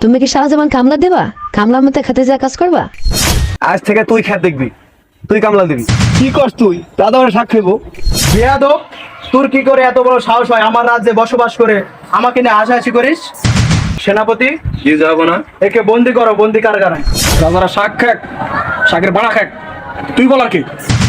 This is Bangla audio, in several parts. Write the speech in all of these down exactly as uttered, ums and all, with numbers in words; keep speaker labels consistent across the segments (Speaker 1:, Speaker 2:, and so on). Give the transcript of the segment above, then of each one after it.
Speaker 1: তুমি কি সারা জীবন কামলা দেবা? কামলার মধ্যে খেতে যা কাজ করবা?
Speaker 2: আজ থেকে তুই খেত দেখবি, তুই কামলা দিবি।
Speaker 3: কি করছ তুই? দাদা আমার শাক খাইবো। বেয়াদব, তোর কি করে এত বড় সাহস হয় আমার রাজ্যে বসবাস করে আমাকে নিয়ে হাসাহাসি করিস? সেনাপতি,
Speaker 2: কি যাবো না?
Speaker 3: একে বন্দি করো, বন্দি কারাগারে।
Speaker 2: রাজারা শাক খাক, শাকের বাড়া খাক, তুই বলার কি?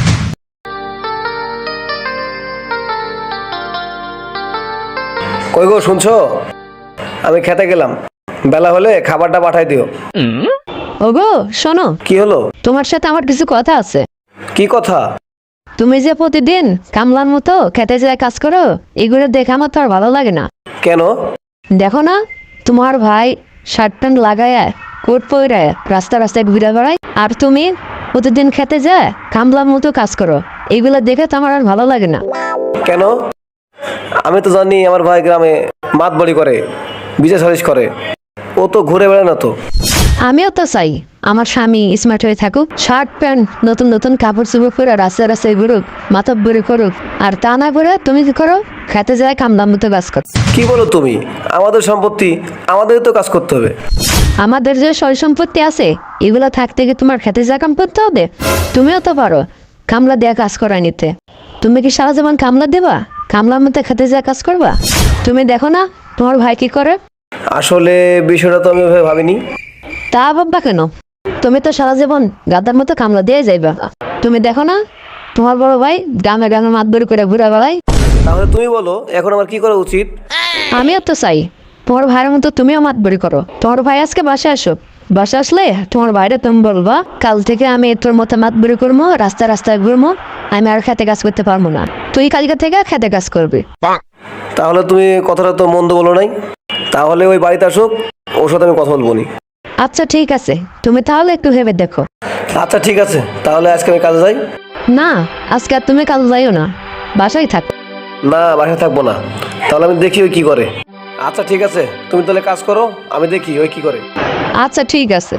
Speaker 4: কই গো শুনছো? আমি খেতে গেলাম, বেলা হলে খাবারটা পাঠাই দিও।
Speaker 1: ওগো শোনো,
Speaker 4: কি হলো?
Speaker 1: তোমার সাথে আমার কিছু কথা আছে।
Speaker 4: কি কথা?
Speaker 1: তুমি যে প্রতিদিন কামলার মতো খেতে যায় কাজ করো, এগুলো দেখে আমার তো আর ভালো লাগে না।
Speaker 4: কেন?
Speaker 1: দেখো না, তোমার ভাই শার্ট প্যান্ট লাগায় কোট পরে রাস্তা রাস্তায় ঘুরে বেড়ায়, আর তুমি প্রতিদিন খেতে যায় কামলার মতো কাজ করো। এগুলো দেখে তো আমার আর ভালো লাগে না।
Speaker 4: কেন? আমি তো জানি আমার ভাই গ্রামে মাত বড়ি করে, বিজয় সালিশ করে, ও তো ঘুরে বেড়ায় না তো।
Speaker 1: আমিও তো চাই আমার স্বামী স্মার্ট হয়ে থাকুক, শার্ট প্যান্ট নতুন নতুন কাপড় চোপড় পরে রাস্তায় রাস্তায় ঘুরুক, মাথা বুড়ি করুক। আর তা না করে তুমি কি করো? খেতে যায় কামলার মতো কাজ করো।
Speaker 4: কি বলো তুমি? আমাদের সম্পত্তি, আমাদের তো কাজ করতে হবে।
Speaker 1: আমাদের যে সয় সম্পত্তি আছে এগুলো থাকতে গিয়ে তোমার খেতে যা কাম করতে হবে? তুমিও তো পারো কামলা দেয়া কাজ করায় নিতে। তুমি কি সারা জীবন কামলা দেবা? কামলার মধ্যে খেতে যা কাজ করবা? তুমি দেখো না তোমার ভাই কি করে।
Speaker 4: আসলে বিষয়টা তো আমি ওইভাবে ভাবিনি।
Speaker 1: তা ভাববা কেন? তুমি তো সারা জীবন গাদার মতো কামলা দিয়ে যাইবা। তুমি দেখো না তোমার বড় ভাই গ্রামে গ্রামে মাত বড়ি করে ঘুরে বেড়ায়।
Speaker 4: তাহলে তুমি বলো এখন আমার কি করা উচিত?
Speaker 1: আমিও তো চাই তোমার ভাইয়ের মতো তুমিও মাত বড়ি করো। তোমার ভাই আজকে বাসায় আসো, বাসা আসলে তোমার ভাইরে তুমি বলবা কাল থেকে আমি তোর মতো মাত বড়ি করবো, রাস্তায় রাস্তায় ঘুরবো, আমি আর খেতে কাজ করতে পারবো না, তুই কালকে থেকে খেতে কাজ করবি।
Speaker 4: তাহলে তুমি কথাটা তো মন্দ বলো নাই। তাহলে ওই বাড়িতে আসুক, ওর সাথে আমি কথা বলবো নি।
Speaker 1: আচ্ছা ঠিক আছে, তুমি তাহলে একটু ভেবে দেখো।
Speaker 4: আচ্ছা ঠিক আছে, তাহলে আজকে আমি কাজে যাই।
Speaker 1: না, আজকে আর তুমি কাল যাইও না, বাসায় থাক।
Speaker 4: না, বাসায় থাকবো না। তাহলে আমি দেখি ওই কি করে। আচ্ছা ঠিক আছে, তুমি তাহলে কাজ করো, আমি দেখি ওই কি করে।
Speaker 1: আচ্ছা ঠিক আছে।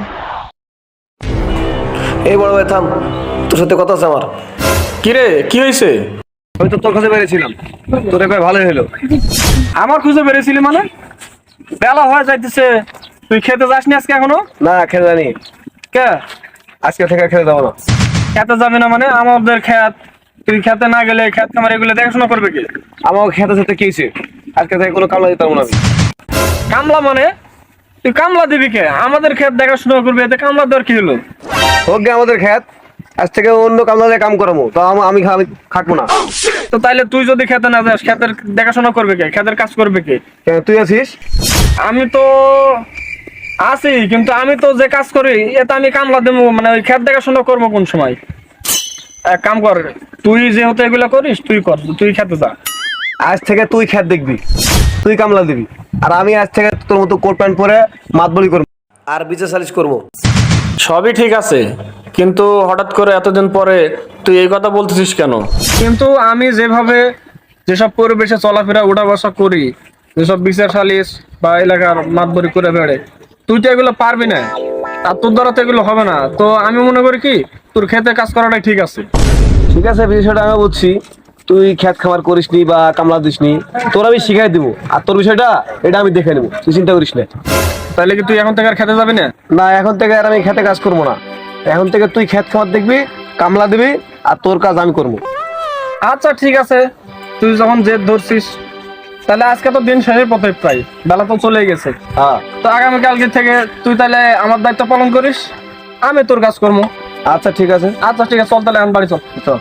Speaker 4: এই বড় ভাই থাম, তোর সাথে কথা আছে আমার।
Speaker 2: কিরে কি হয়েছে?
Speaker 4: আমি তো তোর কাছে বেরিয়েছিলাম, তোর একবার ভালোই হলো।
Speaker 2: আমার খুঁজে বেরিয়েছিলি মানে? বেলা হয়ে যাইতেছে, তুই খেতে যাসনি আজকে এখনো?
Speaker 4: না, খেতে জানি
Speaker 2: কে?
Speaker 4: আজকে থেকে খেতে যাবো না।
Speaker 2: খেতে যাবি না মানে? আমাদের খেত, তুই খেতে না গেলে খেত খামার এগুলো দেখাশোনা করবে কি?
Speaker 4: আমার খেতে সাথে কি হয়েছে? আজকে থেকে কোনো কামলা দিতে পারবো না আমি।
Speaker 2: কামলা মানে? তুই কামলা দিবি কে? আমাদের খেত দেখাশোনা করবি, এতে কামলা দেওয়ার কি হলো?
Speaker 4: হোক গে আমাদের খেত, আজ থেকে অন্য কামলা দিয়ে কাম করাবো, তো আম- আমি খা- আমি খাটবো না।
Speaker 2: তো তাইলে তুই যদি খেতে না যাস, খেতের দেখাশোনা করবে কে? খেতের কাজ করবে কে?
Speaker 4: কেন, তুই আছিস?
Speaker 2: আমি তো আছি, কিন্তু আমি তো যে কাজ করি এতে আমি কামলা দেবো মানে ওই খেত দেখাশোনা করবো কোন সময়? এক কাম কর, তুই যেহেতু এগুলো করিস তুই কর, তুই খেতে যা।
Speaker 4: আজ থেকে তুই খেত দেখবি, তুই কামলা দিবি, আর আমি আজ থেকে তোর মতো কোট প্যান্ট পরে মাতবলি করবো আর বিচার সালিশ করবো।
Speaker 2: সবই ঠিক আছে, কিন্তু হঠাৎ করে এতদিন পরে তুই এই কথা বলতেছিস কেন? কিন্তু আমি যেভাবে যেসব পরিবেশে চলাফেরা উঠা বসা করি, যেসব বিচার সালিশ বা এলাকার মাতবরি করে বেড়ে, তুই তো এগুলো পারবি না, আর তোর দ্বারা তো এগুলো হবে না। তো আমি মনে করি কি তোর খেতে কাজ করাটাই ঠিক আছে।
Speaker 4: ঠিক আছে, বিষয়টা আমি বুঝছি, তুই খেত খামার করিসনি বা কামলা দিসনি, তোর আমি শিখাই দিব, আর তোর বিষয়টা এটা আমি দেখে নেবো, তুই চিন্তা করিস না।
Speaker 2: তাহলে কি তুই এখন থেকে আর খেতে যাবি না?
Speaker 4: না, এখন থেকে আর আমি খেতে কাজ করবো না। এখন থেকে তুই খেত খামার দেখবি, কামলা দিবি, আর তোর কাজ আমি করবো।
Speaker 2: আচ্ছা ঠিক আছে, তুই যখন জেদ ধরছিস, তাহলে আজকে তো দিন শেষের পথে, প্রায় বেলা তো চলে গেছে।
Speaker 4: হ্যাঁ,
Speaker 2: তো আগামীকালকে থেকে তুই তাহলে আমার দায়িত্ব পালন করিস, আমি তোর কাজ করবো।
Speaker 4: আচ্ছা ঠিক আছে।
Speaker 2: আচ্ছা ঠিক আছে, চল তাহলে এখন বাড়ি চল।
Speaker 4: চল।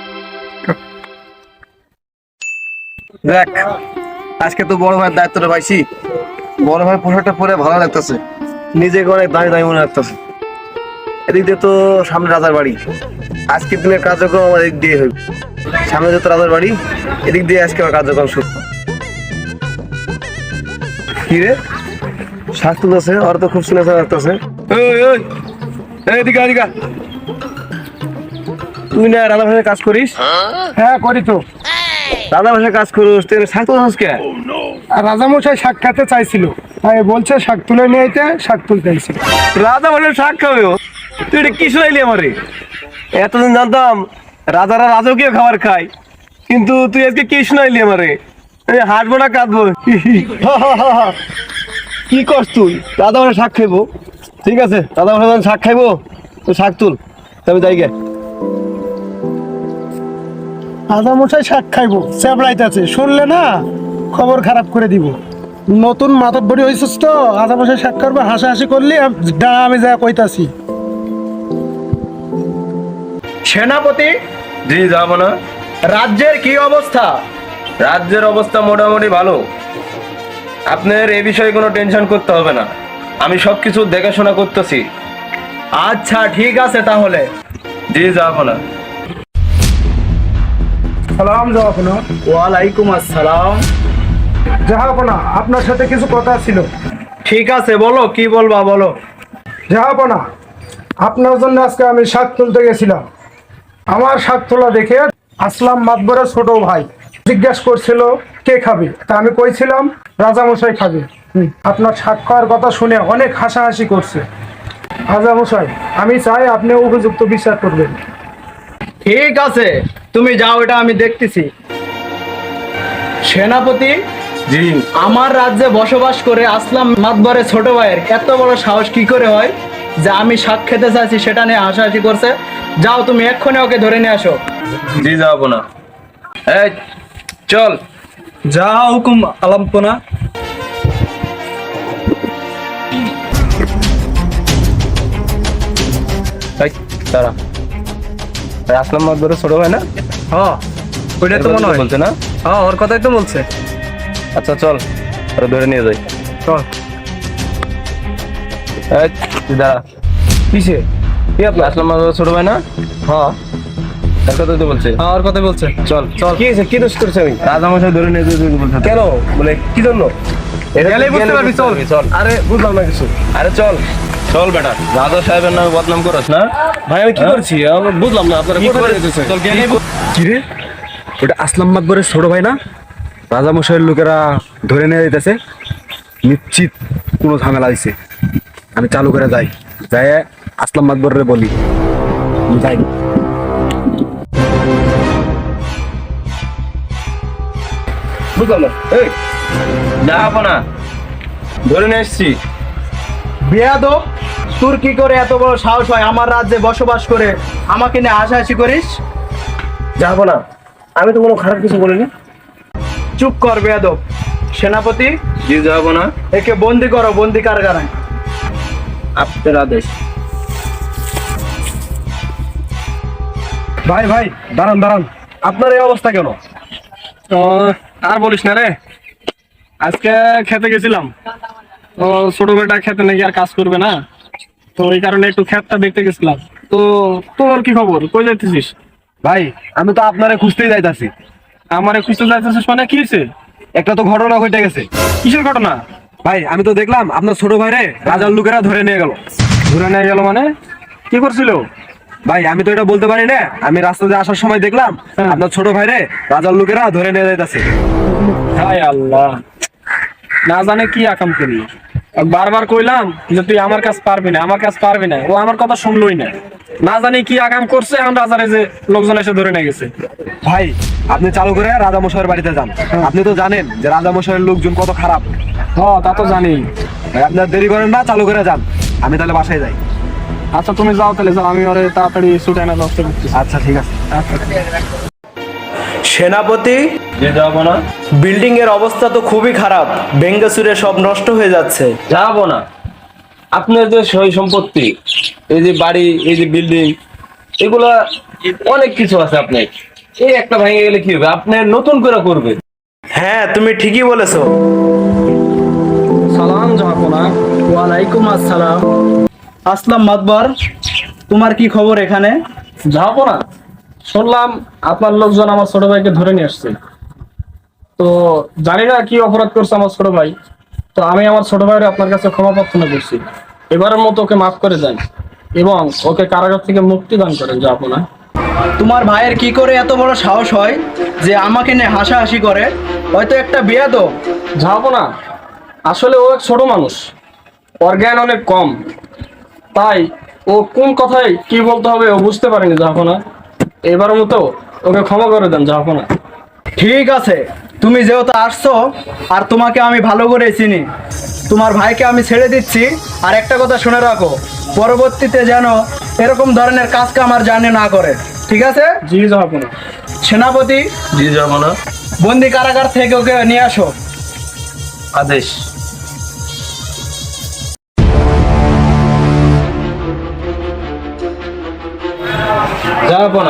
Speaker 4: দেখ, আজকে তো বড় ভাইয়ের দায়িত্বটা পাইছি। বড় ভাই পোশাকটা পরে ভালো লাগতেছে, নিজেকে অনেক দামি দামি মনে লাগতেছে। এদিক দিয়ে তো সামনে রাজার বাড়ি, আজকের দিনের কার্যক্রম আমার এদিক দিয়ে হইব। সামনে যত রাজার বাড়ি, এদিক দিয়ে আজকে আমার কার্যক্রম শুরু। কি রে, শ্বাস তুলতেছে, ওর তো খুব শুনে লাগতেছে। এদিকে এদিকে, তুই না রাজা ভাষায় কাজ করিস?
Speaker 3: হ্যাঁ করি তো।
Speaker 4: রাজা ভাষায় কাজ করিস, তুই শ্বাস তুলছিস কে?
Speaker 3: আর রাজামশাই শাক খেতে চাইছিল, তাই বলছে শাক তুলে নিয়ে আইতে, শাক তুলতে আইছিল।
Speaker 4: রাজা ভাষায় শাক খাবে ও? তুই এটা কি শুনাইলি আমারে? এতদিন জানতাম রাজারা রাজকীয় খাবার খায়, কিন্তু তুই আজকে কি শুনাইলি আমারে? হাসবো না কাঁদবো? কি করছ তুই? দাদা বলে শাক খাইবো। ঠিক আছে, দাদা বলে যখন শাক খাইবো তুই শাক তুল, তবে যাই গে।
Speaker 5: আদা মশাই শাক খাইবো চেপড়াইতেছে, শুনলে না খবর খারাপ করে দিব। নতুন মাতব্বরি হয়েছিস তো, আদা মশাই শাক করবে হাসাহাসি করলি ডানা আমি যা কইতাছি।
Speaker 3: সেনাপতি,
Speaker 2: জি যাব না।
Speaker 3: রাজ্যের কি অবস্থা?
Speaker 2: রাজ্যের অবস্থা মোটামুটি ভালো, আপনার এ বিষয়ে কোনো টেনশন করতে হবে না, আমি সবকিছু দেখাশোনা করতেছি।
Speaker 3: আচ্ছা ঠিক আছে তাহলে।
Speaker 2: জি যাব না।
Speaker 5: সালাম জাহাপনা।
Speaker 3: ওয়ালাইকুম আসসালাম।
Speaker 5: জাহাপনা, আপনার সাথে কিছু কথা ছিল।
Speaker 3: ঠিক আছে বলো, কি বলবা বলো।
Speaker 5: জাহাপনা, আপনার জন্য আজকে আমি শাক তুলতে গেছিলাম। আমার শাক তোলা দেখে আসলাম মাতবরের ছোট ভাই জিজ্ঞাসা করছিল কে খাবে, তা আমি কইছিলাম রাজামশাই খাবে। হুম, আপনার শাক খাওয়ার কথা শুনে অনেক হাসাহাসি করছে। রাজামশাই, আমি চাই আপনি উপযুক্ত বিচার করবেন।
Speaker 3: ঠিক আছে, তুমি যাও, এটা আমি দেখতেছি। সেনাপতি,
Speaker 2: জি,
Speaker 3: আমার রাজ্যে বসবাস করে আসলাম মাতবরের ছোট ভাইয়ের এত বড় সাহস কি করে হয় যে আমি শাক খেতে চাইছি সেটা নিয়ে হাসাহাসি করছে। যাও তুমি এক্ষুনি ওকে ধরে নিয়ে আসো।
Speaker 2: জি যাব না। এই চল।
Speaker 3: যা হুকুম আলাম্পনা।
Speaker 2: এই দাঁড়া, এই আসলাম মাতবরের ছোট ভাই না?
Speaker 3: হ্যাঁ, ওইটা তো মনে হয়।
Speaker 2: বলছে না?
Speaker 3: হ্যাঁ, ওর কথাই তো বলছে।
Speaker 2: আচ্ছা চল, আরে ধরে নিয়ে যাই।
Speaker 3: চল।
Speaker 2: এই তুই দাঁড়া।
Speaker 3: কিসে?
Speaker 2: কি আপনি আসলাম মাতবরের ছোট ভাই না?
Speaker 3: হ্যাঁ,
Speaker 2: তার কথাই তো বলছে।
Speaker 3: হ্যাঁ, ওর কথাই বলছে।
Speaker 2: চল চল। কি হয়েছে, কি দোষ করছে আমি? রাজামশাই ধরে নিয়ে যেতে বলছে। কেন, মানে কি জন্য? এটা
Speaker 3: গেলেই বুঝতে পারবি, চল।
Speaker 2: চল।
Speaker 3: আরে বুঝলাম না কিছু।
Speaker 2: আরে চল চল বেটা, রাজা সাহেবের নামে বদনাম করছ না?
Speaker 3: ভাই আমি কি
Speaker 2: হ্যাঁ?
Speaker 3: করছি? আমি বুঝলাম না আপনারা কোথায় যেতেছে।
Speaker 2: চল গেলেই বুঝ-
Speaker 6: কি রে, ওটা আসলাম মাতবরের ছোট ভাই না? রাজামশাইয়ের লোকেরা ধরে নিয়ে যেতেছে, নিশ্চিত কোনো ঝামেলা হয়েছে। আমি চালু করে যাই, যাই আসলাম মাতবরের বলি। আমি যাই।
Speaker 2: বুঝলাম না। এই যাবো না, ধরে নিয়ে এসছি।
Speaker 3: বেয়াদব, তোর কি করে এত বড় সাহস হয় আমার রাজ্যে বসবাস করে আমাকে নিয়ে হাসাহাসি করিস?
Speaker 2: যাবো না, আমি তো কোনো খারাপ কিছু বলিনি।
Speaker 3: চুপ কর বেয়াদব। সেনাপতি,
Speaker 2: জি যাবো না।
Speaker 3: একে বন্দি করো, বন্দি কারাগারে।
Speaker 2: আপনার আদেশ।
Speaker 6: ভাই ভাই দাঁড়ান দাঁড়ান, আপনার এই অবস্থা কেন?
Speaker 2: আর বলিস না রে, আজকে খেতে গেছিলাম, তো ছোট বেটা খেতে নাকি আর কাজ করবে না, তো এই কারণে একটু খেতটা দেখতে গেছিলাম। তো তোর কি খবর, কই যাইতেছিস?
Speaker 6: ভাই আমি তো আপনারে খুঁজতেই যাইতাছি।
Speaker 2: আমারে খুঁজতে যাইতেছিস মানে কি হয়েছে?
Speaker 6: একটা তো ঘটনা ঘটে গেছে।
Speaker 2: কিসের ঘটনা?
Speaker 6: ভাই আমি তো দেখলাম আপনার ছোট ভাইরে রাজার লোকেরা ধরে নিয়ে গেল।
Speaker 2: ঘুরে নিয়ে গেল মানে? কি করছিল?
Speaker 6: ভাই আমি তো এটা বলতে পারি না, আমি রাস্তাতে আসার সময় দেখলাম
Speaker 2: হ্যাঁ।
Speaker 6: আপনার ছোট ভাইরে রাজার লোকেরা ধরে নিয়ে যাইতাছে।
Speaker 2: হায় আল্লাহ, না জানে কি আকাম করি। বারবার কইলাম যে তুই আমার কাছে পারবি না, আমার কাছে পারবি না, ও আমার কথা শুনলই না। না জানি কি আকাম করছে, এখন রাজারে যে লোকজন এসে ধরে নিয়ে গেছে।
Speaker 6: ভাই আপনি চালু করে রাজামশাইয়ের বাড়িতে যান, আপনি তো জানেন যে রাজামশাইয়ের লোকজন কত খারাপ।
Speaker 2: হ্যাঁ তা তো জানি।
Speaker 6: ভাই আপনার দেরি করেন না, চালু করে যান, আমি তাহলে বাসায় যাই।
Speaker 2: আচ্ছা তুমি যাও তাহলে, যাও, আমি ওরে তাড়াতাড়ি ছুটে আনার ব্যবস্থা করতেছি।
Speaker 6: আচ্ছা ঠিক আছে।
Speaker 3: সেনাপতি,
Speaker 2: যে যাবো না।
Speaker 3: বিল্ডিং এর অবস্থা তো খুবই খারাপ, ভেঙ্গে চুরে সব নষ্ট হয়ে যাচ্ছে।
Speaker 2: যাবো না, আপনার যে সই সম্পত্তি, এই যে বাড়ি, এই যে বিল্ডিং, এগুলা অনেক কিছু আছে। আপনার এই একটা ভেঙে গেলে কি হবে? আপনি নতুন করে করবে।
Speaker 3: হ্যাঁ, তুমি ঠিকই বলেছো।
Speaker 2: সালাম যাবো না।
Speaker 3: ওয়ালাইকুম আসসালাম। আসলাম মাতবর, তোমার কি খবর এখানে?
Speaker 2: যাবো না, শুনলাম আপনার লোকজন আমার ছোট ভাইকে ধরে নিয়ে আসছে। তো জানি না কি অপরাধ করছে আমার ছোট ভাই, তো আমি আমার ছোট ভাইয়ের আপনার কাছে ক্ষমা প্রার্থনা করছি। এবারের মতো ওকে মাফ করে দেন এবং ওকে কারাগার থেকে মুক্তি দান করেন। যাবো না।
Speaker 3: তোমার ভাইয়ের কি করে এত বড় সাহস হয় যে আমাকে নিয়ে হাসাহাসি করে? হয়তো একটা বেয়াদব।
Speaker 2: যাবো না, আসলে ও এক ছোট মানুষ, ওর জ্ঞান অনেক কম, তাই ও কোন কথায় কি বলতে হবে ও বুঝতে পারেনি। যাবো না, এবারের মতো ওকে ক্ষমা করে দেন। যাবো না।
Speaker 3: ঠিক আছে, তুমি যেহেতু আসছো আর তোমাকে আমি ভালো করে চিনি, তোমার ভাইকে আমি ছেড়ে দিচ্ছি। আর একটা কথা শুনে রাখো, পরবর্তীতে যেন এরকম ধরনের কাজ কাম আর জানে না করে, ঠিক আছে?
Speaker 2: জি জাহাপনা।
Speaker 3: সেনাপতি,
Speaker 4: জি যাব না।
Speaker 3: বন্দি কারাগার থেকে ওকে নিয়ে আসো।
Speaker 4: আদেশ।
Speaker 2: জাহাপনা।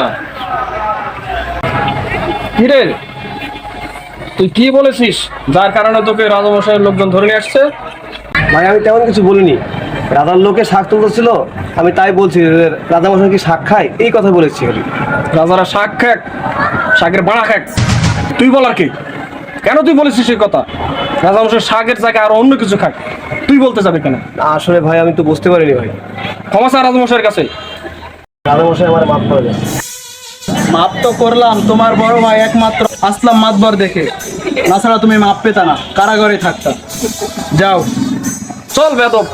Speaker 2: কিরে, তুই কি বলেছিস যার কারণে তোকে রাজামশাইয়ের লোকজন ধরে নিয়ে আসছে?
Speaker 4: ভাই আমি তেমন কিছু বলিনি, রাজার লোকে শাক তুলতেছিল, আমি তাই বলছি যে রাজামশাই কি শাক খায়, এই কথা বলেছি খালি।
Speaker 2: রাজারা শাক খাক, শাকের বাড়া খাক, তুই বলার কি? কেন তুই বলেছিস এই কথা? রাজামশাই শাকের জায়গায় আরো অন্য কিছু খাক, তুই বলতে যাবে কেন?
Speaker 4: আসলে ভাই আমি তো বুঝতে পারিনি ভাই,
Speaker 2: ক্ষমা চা রাজামশাইয়ের কাছে।
Speaker 4: রাজামশাই আমার মাফ করে দেন।
Speaker 3: মাপ তো করলাম তোমার বড় ভাই একমাত্র আসলাম মাতবর দেখে, তাছাড়া তুমি মাপ পেতা না, কারাগারে থাকতা। যাও।
Speaker 2: চল বেদব।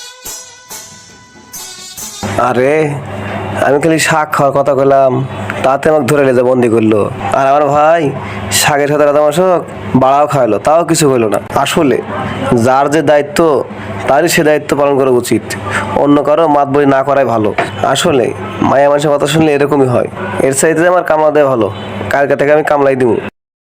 Speaker 4: আরে আমি খালি শাক খাওয়ার কথা বললাম, তাতে আমাকে ধরে লেজে বন্দি করলো। আর আমার ভাই শাকের সাথে রাজামশাক বাড়াও খাওয়ালো, তাও কিছু হইলো না। আসলে যার যে দায়িত্ব তারই সে দায়িত্ব পালন করা উচিত, অন্য কারো মাতবরি না করাই ভালো। আসলে মায়া মানুষের কথা শুনলে এরকমই হয়, এর চাইতে আমার কামলা দেওয়া ভালো, কালকে থেকে আমি কামলাই দিব।